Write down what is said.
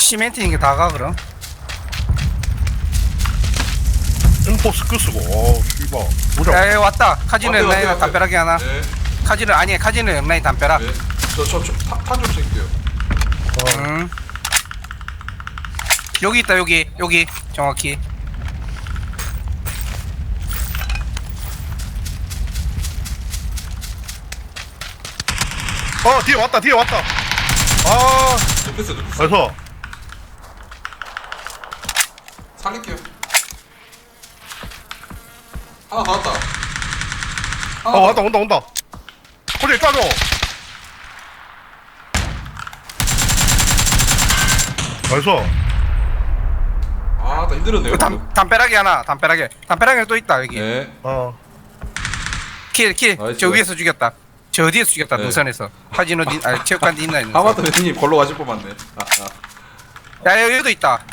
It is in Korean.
시멘트인 게 다가 그럼. 엠포 스크 쓰고 씨발 보자. 야, 야 왔다. 카지노 왔대, 엠라인 왔대, 담벼락이 하나. 네. 카지노 아니 카지노 엠라인 담벼락. 네. 탄좀 챙길게요. 음. 여기 있다 여기 정확히. 뒤에 왔다. 아, 눕혔어. 그래서 살릴게요. 하나 더 왔다. 온다. 호재 까줘. 그래서 나 힘들었네요. 담벼락이 하나. 담벼락에 또 있다 여기. 네. 킬. 나이스, 저 나이스. 위에서 죽였다. 저 어디에서 죽였다. 네. 능선에서. 카지노 체육관 있나 있는. 하마터 회장님 걸로 가실 뻔 맞네. 야 여기도 있다.